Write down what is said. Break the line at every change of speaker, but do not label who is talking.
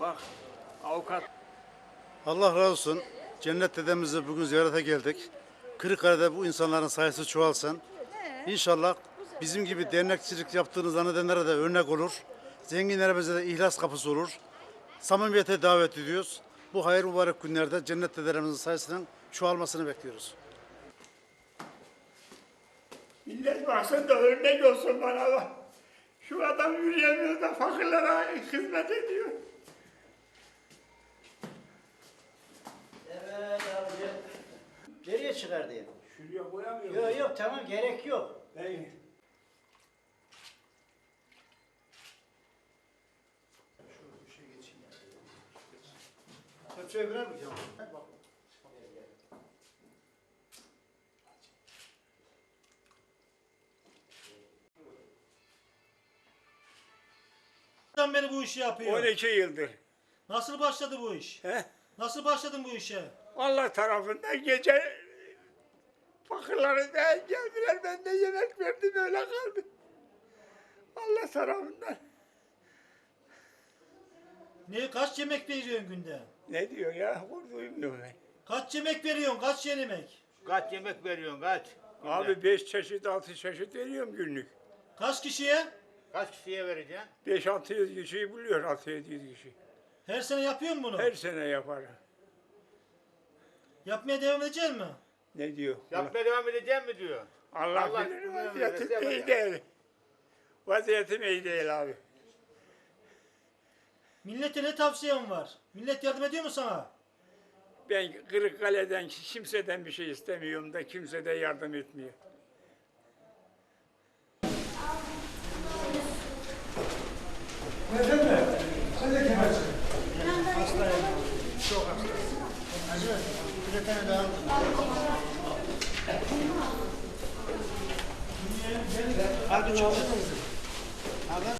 bak avukat.
Allah razı olsun. Cennet dedemizi bugün ziyarete geldik. Kırıkkale'de bu insanların sayısı çoğalsın. İnşallah bizim gibi dernekçilik yaptığını zannedenlere de örnek olur. Zenginlerimize de ihlas kapısı olur. Samimiyete davet ediyoruz. Bu hayır mübarek günlerde cennet dedelerimizin sayısının çoğalmasını bekliyoruz.
Millet baksın da örnek olsun bana bak. Şu adam yürüyemiyor da fakirlere hizmet ediyor.
Evet abi. Nereye çıkar diye.
Şuraya koyamıyor musun?
Yok yok tamam gerek yok.
İyi.
Hepsiye birer mi?
Beri bu işi yapıyor.
12 yıldır.
Nasıl başladı bu iş?
He?
Nasıl başladın bu işe?
Allah tarafından gece fakirlere de geldiler, ben de yemek verdim, öyle kaldı. Allah tarafından.
Kaç yemek veriyorsun günde?
Ne diyor ya? Duymuyorum ben.
Kaç yemek veriyorsun? Kaç yemek?
Kaç yemek veriyorsun kaç?
Abi 5 çeşit, 6 çeşit veriyorum günlük.
Kaç kişiye?
Kaç kişiye vereceksin?
5-600 kişiyi buluyor, 600-700 kişi.
Her sene yapıyor musun bunu?
Her sene yaparım.
Yapmaya devam edecek mi?
Ne diyor?
Yapmaya devam edeceğim mi diyor?
Allah
Allah
bilir,
bilir,
vaziyetim
bilir,
iyi değil. Vaziyetim iyi değil abi.
Millete ne tavsiyen var? Millet yardım ediyor mu sana?
Ben Kırıkkale'den kimseden bir şey istemiyorum da kimse de yardım etmiyor.
Abi çok